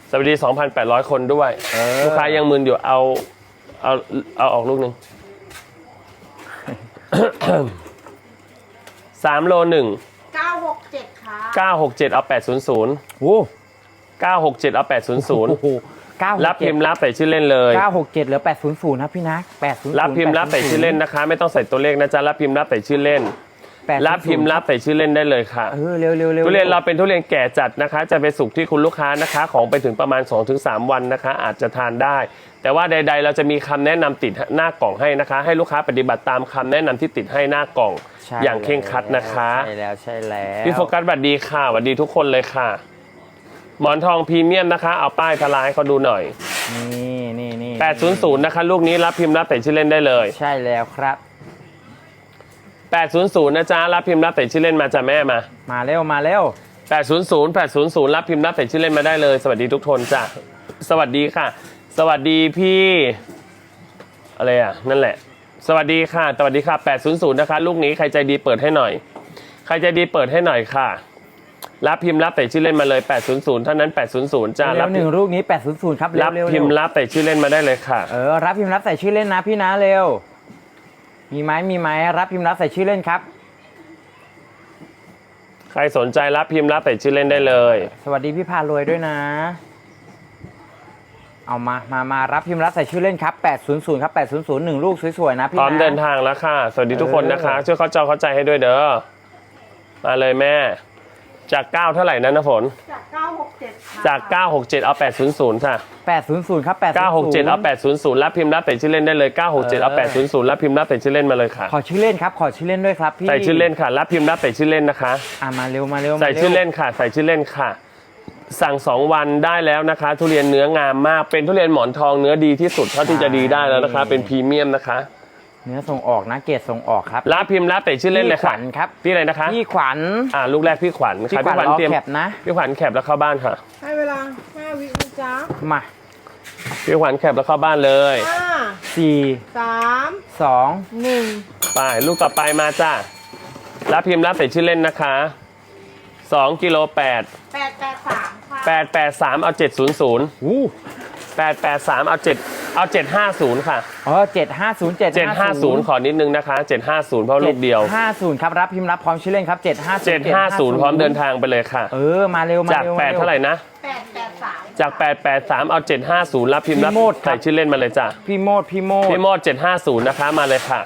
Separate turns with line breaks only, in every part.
สวัสดี 2,800 คนด้วยลูกค้ายังมึนอยู่เอาออกลูกหนึ่ง 3 โล 1
967ค่ะ
967เอา800
โอ้
967เอา800
โห967
รับพิมพ์รับใส่ชื่อเล่นเลย
967เหลือ800ครับพี่นัก800
รับพิมพ์รับใส่ชื่อเล่นนะคะไม่ต้องใส่ตัวเลขนะจ๊ะรับพิมพ์รับใส่ชื่อเล่นรับพิมพ์รับใส่ชื่อเล่นได้เลยค่ะ
เร็ว
ทุเรียนเราเป็นทุเรียนแก่จัดนะคะจะไปสุกที่คุณลูกค้านะคะของไปถึงประมาณ 2-3 วันนะคะอาจจะทานได้แต่ว่าใดๆเราจะมีคำแนะนำติดหน้ากล่องให้นะคะให้ลูกค้าปฏิบัติตามคำแนะนำที่ติดให้หน้ากล่องอย่างเคร่งครัดนะคะ
ใช่แล้ว
พี่โฟกัสสวัสดีค่ะสวัสดีทุกคนเลยค่ะหมอนทองพรีเมียมนะคะเอาป้ายทลายให้เขาดูหน่อย
นี่
800นะคะลูกนี้รับพิมพ์รับใส่ชื่อเล่นได้เลย
ใช่แล้วครับ
800นะจ๊ะรับพิมพ์รับใส่ชื่อเล่นมาจ้ะแม่มา
เร็ว
800รับพิมพ์รับใส่ชื่อเล่นมาได้เลยสวัสดีทุกคนจ้ะสวัสดีค่ะสวัสดีพี่อะไรอ่ะนั่นแหละสวัสดีค่ะสวัสดีค่ะ800นะคะลูกนี้ใครใจดีเปิดให้หน่อยใครใจดีเปิดให้หน่อยค่ะรับพิมพ์รับใส่ชื่อเล่นมาเลย800เท่านั้น800จ้า
รับ1ลูกนี้800ครับ
รับพิมพ์รับใส่ชื่อเล่นมาได้เลยค่ะ
รับพิมพ์รับใส่ชื่อเล่นนะพี่นะเร็วมีไหมรับพิมพ์รับใส่ชื่อเล่นครับ
ใครสนใจรับพิมพ์รับใส่ชื่อเล่นได้เลย
สวัสดีพี่พารวยด้วยนะเอามารับพิมพ์รับใส่ชื่อเล่นครับ800ครับ800 1ลูกสวยๆนะพี่นะ
พร้อมเดินทางแล้วค่ะสวัสดีทุกคนนะคะช่วยเข้าใจให้ด้วยเด้อมาเลยแม่จาก9เท่าไหร่นะฝน
จาก967
จาก967เอา800ค่ะ
800ครับ
967เอา800รับพิมพ์รับใส่ชื่อเล่นได้เลย967เอา800รับพิมพ์รับใส่ชื่อเล่นมาเลยค่ะ
ขอชื่อเล่นครับขอชื่อเล่นด้วยครับพี่
ใส่ชื่อเล่นค่ะรับพิมพ์รับใส่ชื่อเล่นนะคะ
มาเร็ว
ใส่ชื่อเล่นค่ะใส่ชื่อเล่นค่ะสั่ง2วันได้แล้วนะคะทุเรียนเนื้องามมากเป็นทุเรียนหมอนทองเนื้อดีที่สุดเท่าที่จะดีได้แล้วนะคะเป็นพรีเมียมนะคะ
เนื้อส่งออกนะเกรดส่งออกครับ
รับพิมพ์รับใส่ชื่อเล่นเลยค่ะ
พี่ขวัญครับ
พี่อะไรนะคะ
พี่ขวัญ
ลูกแรกพี่ขวัญ
พี่ขวัญเตรียม
แคปนะพี่ขวัญแคปแล้วเข้าบ้านค่ะ
ให้เวลา5 วินะจ๊ะ
มา
พี่ขวัญแคปแล้วเข้าบ้านเลย
4 3 2
1
ไปลูกต่อไปมาจ้ารับพิมพ์รับใส่ชื่อเล่นนะคะ2กิโล
883ค่ะ
883เอา700883เอา750ค่ะ
750
ขอนิดนึงนะคะ750เพราะลูกเดียว
750ครับรับพิมพ์รับพร้อมชื่อเล่นครับ
750พร้อมเดินทางไปเลยค่ะ
มาเร็ว
จาก8เท่าไหร่นะ
883
จาก883เอา750รับพิมพ์รับใส่ชื่อเล่นมาเลยจ้ะ
พี่โมด
750นะคะมาเลยค่ะ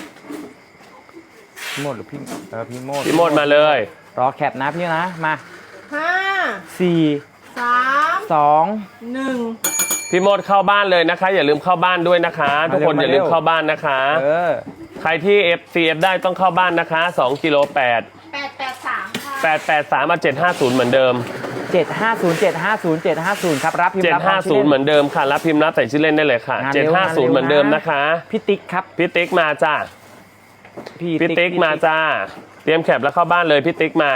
พี่โมดหรือพี่
โมดมาเลย
รอแคปนะพี่นะมา
5
4 3 2
1
พี่โมดเข้าบ้านเลยนะคะอย่าลืมเข้าบ้านด้วยนะคะทุกคนอย่าลืมเข้าบ้านนะคะใครที่ FCF ได้ต้องเข้าบ้านนะคะ2กิโล8
883ค่ะ
883มา750เหมือนเดิม
750ครับรับพิมพ์รับ
750เหมือนเดิมค่ะรับพิมพ์รับใส่ชื่อเล่นได้เลยค่ะ750เหมือนเดิมนะคะ
พี่ติ๊กครับ
พี่ติ๊กมาจ้าพี่ติ๊กมาจ้าเตรียมแคปแล้วเข้าบ้านเลยพี่ติ๊กมา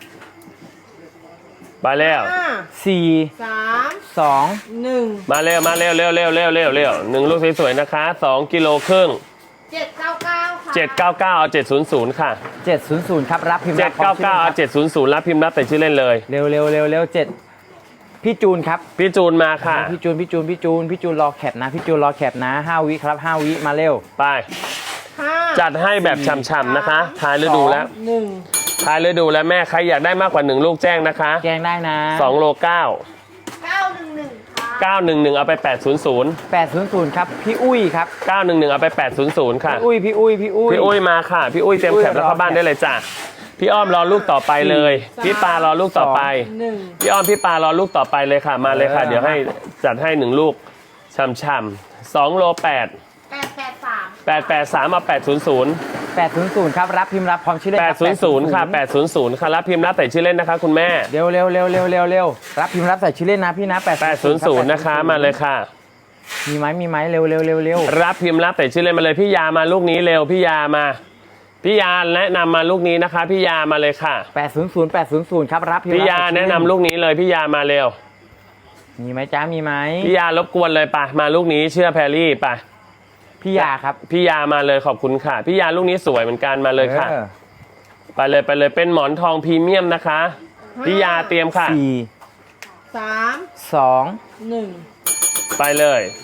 ไปแล้ว
4 3 2
1
มาเร็ว1ลูกสวยๆนะคะ2กิโลครึ่ง
799ค่ะ
799เอา700ค่ะ
700ครับรับพิมพ์รับ
799เอา700รับพิมพ์รับใส่ชื่อเล่นเลย
เร็ว7พี่จูนครับ
พี่จูนมาค่ะ
พี่จูนรอแคปนะพี่จูนรอแคปนะ5วิครับ5วิมาเร็ว
ไปจัดให้แบบฉ่ำๆนะคะท้ายฤดูแล้วท้ายฤดูแล้วแม่ใครอยากได้มากกว่า1ลูกแจ้งนะคะ
แจ้งได้นะ
2โล9
911ค่ะ
911เอาไป800
ครับพี่อุ้ยครับ
911เอาไป800ค่ะ
พี่อุ้ย
มาค่ะพี่อุ้ยเตรียมแคปแล้วเข้าบ้านได้เลยจ้ะพี่อ้อมรอลูกต่อไปเลยพี่ปารอลูกต่อไปพี่อ้อมพี่ปารอลูกต่อไปเลยค่ะมาเลยค่ะเดี๋ยวให้จัดให้1ลูกฉ่ำๆ2โล883เอา
800ครับรับพิมพ์รับพร้อมชื่อเล่น
800ค่ะ800ค่ะรับพิมพ์รับใส่ชื่อเล่นนะคะคุณแม่
เร็วรับพิมพ์รับใส่ชื่อเล่นนะพี่นะ
800นะคะมาเลยค่ะ
มีไหมเร็ว
รับพิมพ์รับใส่ชื่อเล่นมาเลยพี่ยามาลูกนี้เร็วพี่ยามาพี่ยาแนะนำมาลูกนี้นะคะพี่ยามาเลยค่ะ
800ครับรับพิมพ์
พี่ยาแนะนำลูกนี้เลยพี่ยามาเร็ว
มีไหมจ้ามีไหม
พี่ยารบกวนเลยป่ะมาลูกนี้เชื่อแพรรี่ป่ะ
พี่ยาครับ
พี่ยามาเลยขอบคุณค่ะพี่ยาลูกนี้สวยเหมือนกันมาเลยค่ะไปเลยเป็นหมอนทองพรีเมียมนะคะพี่ยาเตรียมค่ะ
3
2
1
ไปเลย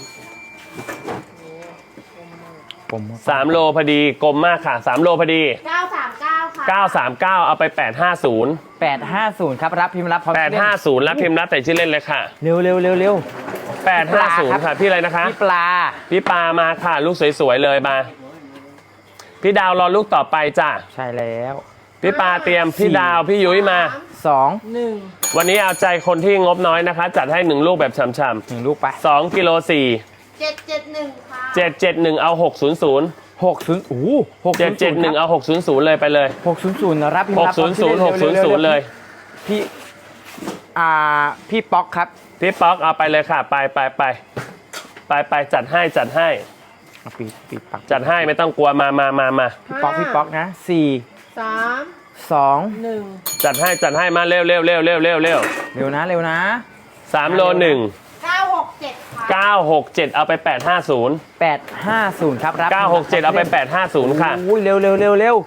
ผม
3 โลพอดีกลมมากค่ะ3 โลพอดี
939 ค่ะ
939 เอาไป 850
850ครับรับพิมพ์รับพร้อมชื่อเล่น
850รับพิมพ์รับแต่ชื่อเล่นเลยค่ะ
เร็วเร็วเร็วเร็ว
850 ค่ะ พี่อะไรนะคะ
พี่ปลา
พี่ปามาค่ะ ลูกสวยๆเลยมา พี่ดาวรอลูกต่อไปจ้ะ
ใช่แล้ว
พี่ปาเตรียมพี่ดาวพี่ยุ้ยมา
2
1
วันนี้เอาใจคนที่งบน้อยนะคะ จัดให้1ลูกแบบฉ่ำ
1ลูกไป
ๆ2กิโล4
771 ค่ะ
771 เอา 600
60โอ้โห
771 เอา600เลยไปเลย
600รับพิมพ์รับพร้อมชื่อเล่น
600เลย
พี่พี่ป๊อกครับ
พี่ป๊อกเอาไปเลยค่ะ ไปจัดให้
เอาปีปัก
จัดให้ไม่ต้องกลัวมา
พี่ป๊อกนะ4
3
2
1
จัดให้มาเร็ว
เร็วนะ
3โล1
967 ค่ะ
967 เอาไป 850
850ครับรับ
967 เอาไป 850 ค่ะ
อุ้ยเร็ว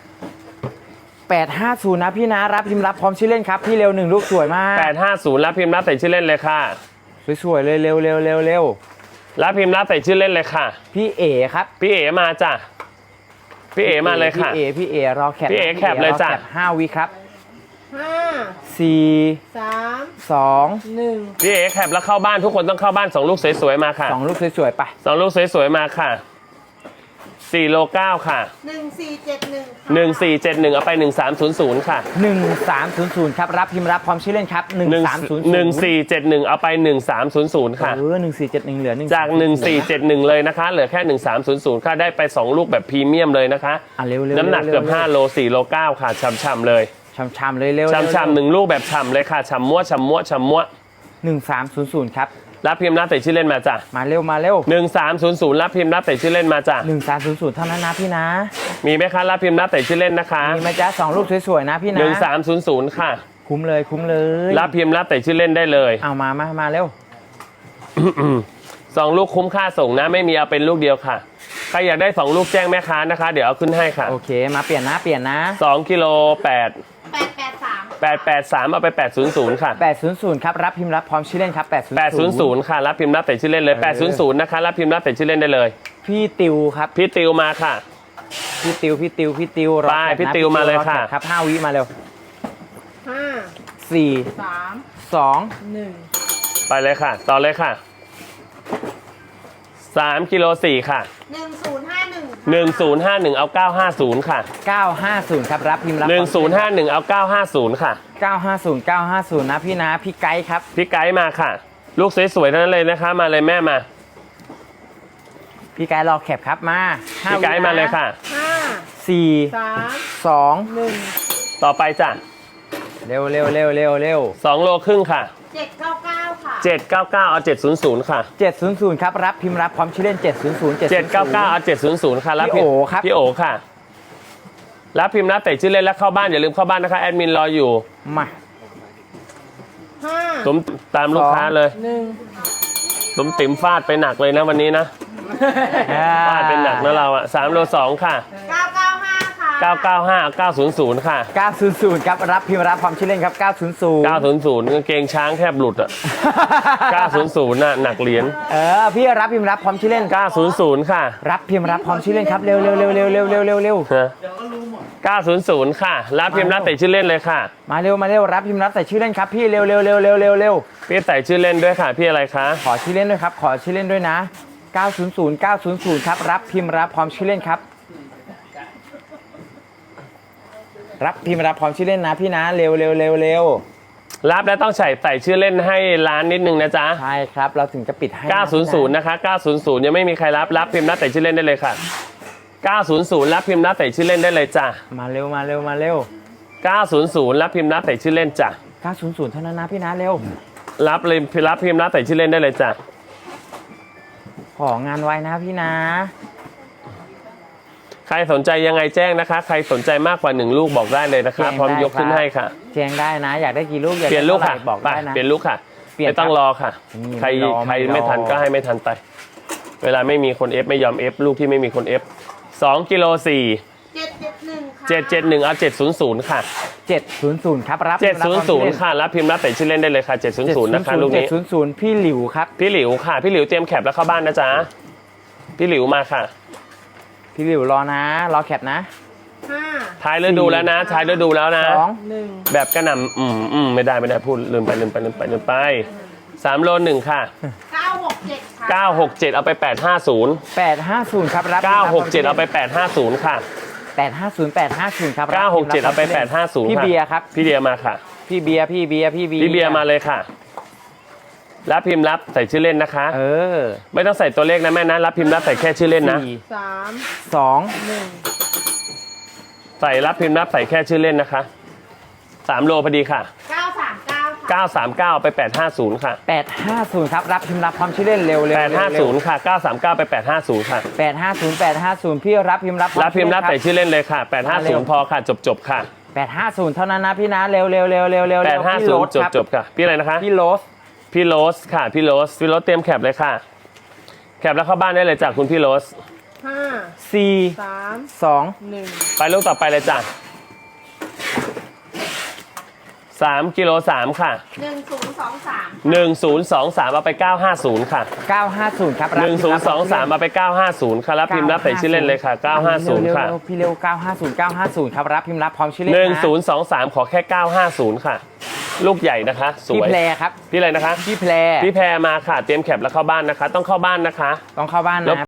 850นะพี่นะรับพิมพ์รับพร้อมชื่อเล่นครับพี่เร็ว1ลูกสวยมาก
850 รับพิมพ์รับใส่ชื่อเล่นเลยค่ะ
สวยๆเลยเร็ว
รับพิมพ์รับใส่ชื่อเล่นเลยค่ะ
พี่เอ๋ครับ
พี่เอ๋มาจ้ะ พี่เอ๋มาเลยค่ะ
พี่เอ๋รอแคป
พี่เอ๋แคปเลยจ้ะ
รอแคป5 วิครับ
5
4
3
2
1
พี่เอ๋แคปแล้วเข้าบ้านทุกคนต้องเข้าบ้าน2ลูกสวยๆมาค่ะ
2ลูกสวยๆไป
2ลูกสวยๆมาค่ะ4โล9ค่ะ
1471
1471 เอาไป 1300 ค่ะ
1300ครับรับพิมพ์รับพร้อมชื่อเล่นครับ1300
1471 เอาไป 1300 ค่ะ
1471เหลือ1
จาก 1471 เลยนะคะ เหลือแค่ 1300 ค่ะ ได้ไป 2 ลูกแบบพรีเมียมเลยนะคะ
เร็ว
น้ำหนักเกือบ5โล4โล9ค่ะช่ำๆเลย
ช้ำๆเลยเร็ว
ช่ำๆ1ลูกแบบฉ่ำเลยค่ะฉ่ำมั่ว
1300ครับ
รับพิมพ์รับแต่ชื่อเล่นมาจ้ะ
มาเร็ว
1300รับพิมพ์รับแต่ชื่อเล่นมาจ้ะ
1300เท่านั้นนะพี่นะ
มีไหมคะรับพิมพ์รับแต่ชื่อเล่นนะคะ
มีไหมจ๊ะ2ลูกสวยๆนะพี่นะ
1300ค่ะ
คุ้มเลย
รับพิมพ์รับแต่ชื่อเล่นได้เลย
เอามาเร็ว
2 ลูกคุ้มค่าส่งนะไม่มีเอาเป็นลูกเดียวค่ะใครอยากได้2ลูกแจ้งแม่ค้านะคะ เดี๋ยวเอาขึ้นให้ค่ะ
โอเคมาเปลี่ยนนะ
2กิโล8
883
883 เอาไป 800 ค่ะ
800ครับรับพิมพ์รับพร้อมชื่อเล่นครับ
800 ค่ะ รับพิมพ์รับแต่ชื่อเล่นเลย 800 นะคะ รับพิมพ์รับแต่ชื่อเล่นได้เลย
พี่ติวครับ
พี่ติวมาค่ะ
พี่ติวรอ
ไป
แคปนะ
พี่ติวมาเลยค่ะ
รอแปครับ5 วิมาเร็ว
5
4
3
2
1
ไปเลยค่ะ ต่อเลยค่ะ3กิโล4ค่ะ
1051
1051 เอา 950 ค่ะ
950ครับรับพิมพ์รับ
1051 เอา 950 ค่ะ
950นะพี่นะพี่ไกด์ครับ
พี่ไกด์มาค่ะ ลูกสวยๆทั้งนั้นเลยนะคะ มาเลยแม่มา
พี่ไกด์รอแคปครับมา
พี่ไกด์มาเลยค่ะ
5
4
3
2
1
ต่อไปจ้ะ
เร็ว
2โลครึ่งค่ะ
799 ค่ะ
799 เอา 700 ค่ะ
700ครับรับพิมพ์รับพร้อมชื่อเล่น700
799 เอา 700 ค่ะรับ
พี่โอครับ
พี่โอค่ะ รับพิมพ์รับแต่ชื่อเล่นแล้วเข้าบ้านอย่าลืมเข้าบ้านนะคะแอดมินรออยู่
มา
5
ตุ้มตามลูกค้าเลย
1
ตุ้มติ๋มฟาดไปหนักเลยนะวันนี้นะฟาดเป็นหนักนะเราอะ3โล2ค่ะ
995 ค่ะ
995 900 ค่ะ
900ครับรับพิมพ์รับพร้อมชื่อเล่นครับ900
900กางเกงช้างแทบหลุดอะ900น่ะหนักเหรียญ
พี่รับพิมพ์รับพร้อมชื่อเล่น
900ค่ะ
รับพิมพ์รับพร้อมชื่อเล่นครับเร็ว
ฮะ900ค่ะ รับพิมพ์รับแต่ชื่อเล่นเลยค่ะ
มาเร็วรับพิมพ์รับใส่ชื่อเล่นครับพี่เร็ว
พี่ใส่ชื่อเล่นด้วยค่ะ พี่อะไรคะ
ขอชื่อเล่นด้วยครับขอชื่อเล่นด้วยนะ900ครับรับพิมพ์รับพร้อมชื่อเล่นครับรับพิมพ์รับพร้อมชื่อเล่นนะพี่นะเร็ว
รับแล้วต้องใส่ชื่อเล่นให้ร้านนิดนึงนะจ๊ะ
ใช่ครับเราถึงจะปิดให้
900นะคะ900ยังไม่มีใครรับพิมพ์รับแต่ชื่อเล่นได้เลยค่ะ900รับพิมพ์รับแต่ชื่อเล่นได้เลยจ้ะ
มาเร็ว
900รับพิมพ์รับแต่ชื่อเล่นจ้ะ
900เท่านั้นนะพี่นะเร็ว
รับเลยรับพิมพ์รับแต่ชื่อเล่นได้เลยจ้ะ
ของานไว้นะพี่นะ
ใครสนใจยังไงแจ้งนะคะ ใครสนใจมากกว่า1ลูกบอกได้เลยนะคะพร้อมยกขึ้นให้ค่ะ
แจ้งได้นะ อยากได้กี่ลูกอยาก
เปลี่ยนลูกค่ะ
บอก
ไป
ได้นะ
เปลี่ยนลูกค่ะ
เปลี่ยน
ไม่ต้องรอค่ะ ใคร
ไม่รอ
ไม่ทันก็ให้ไม่ทันไป เวลาไม่มีคนเอฟไม่ยอมเอฟลูกที่ไม่มีคนเอฟ2กิโล4
771 ค่ะ
771เอา700ค่ะ
700ครับรับพิมพ์รับพร้อมชื่อเล่น
700ค่ะรับพิมพ์รับใส่ชื่อเล่นได้เลยค่ะ700นะคะลูกนี้
700พี่หลิวครับ
พี่หลิวค่ะพี่หลิวเตรียมแคปแล้วเข้าบ้านนะจ๊ะพี่หลิวมาค่ะ
พี่หลิวรอนะ รอแคปนะ
5
ท้ายฤดูแล้วนะท้ายฤดูแล้วนะ
1
แบบกระหน่ำไม่ได้พูดลืมไป3 โล 1ค่ะ
967 ค่ะ
967เอาไป850
850ครับรับ
967เอาไป850ค่ะ
850ครับ
967เอาไป850
พี่
ค่ะ
เบียร์ครับ
พี่เบียร์มาค่ะ
พี่เบียร์
พี่เบียร์มาเลยค่ะรับพิมพ์รับใส่ชื่อเล่นนะคะ
เออ
ไม่ต้องใส่ตัวเลขนะแม่นะรับพิมพ์รับใส่แค่ชื่อเล่นนะ
3
2
ใส่รับพิมพ์รับใส่แค่ชื่อเล่นนะคะ3 โลพอดีค่ะ
939 ค่ะ
939ไป850ค่ะ
850ครับรับพิมพ์รับพร้อมชื่อเล่นเร็ว
850ค่ะ939ไป850ค่ะ
850พี่รับพิมพ์รับพร้อม
รับพิมพ์รับใส่ชื่อเล่นเลยค่ะ850พอค่ะจบค่ะ
850เท่านั้นนะพี่นะเร็ว
850จบค่ะพี่อะไรนะคะ
พี่โรส
พี่โรสค่ะพี่โรสเตรียมแคปเลยค่ะแคปแล้วเข้าบ้านได้เลยจากคุณพี่โรส
5
4
3
2
1
ไปลูกต่อไปเลยจ้ะ3กิโล3ค่ะ
1023
1023เอาไป950ค่ะ
950ครับรับพิมพ์รับ
1023เอาไป950ค่ะรับพิมพ์รับใส่ชื่อเล่นเลยค่ะ950ค่ะ
พี่เร็ว950ครับรับพิมพ์รับพร้อมชื่อเล่นนะ
1023ขอแค่950ค่ะ ลูกใหญ่นะคะส
พี่
วย
แพรครับ
พี่อะไรนะคะ
พี่แพร
พี่แพรมาค่ะเตรียมแคปแล้วเข้าบ้านนะคะ ต้องเข้าบ้านนะคะ
ต้องเข้าบ้าน
ร
นะ
บ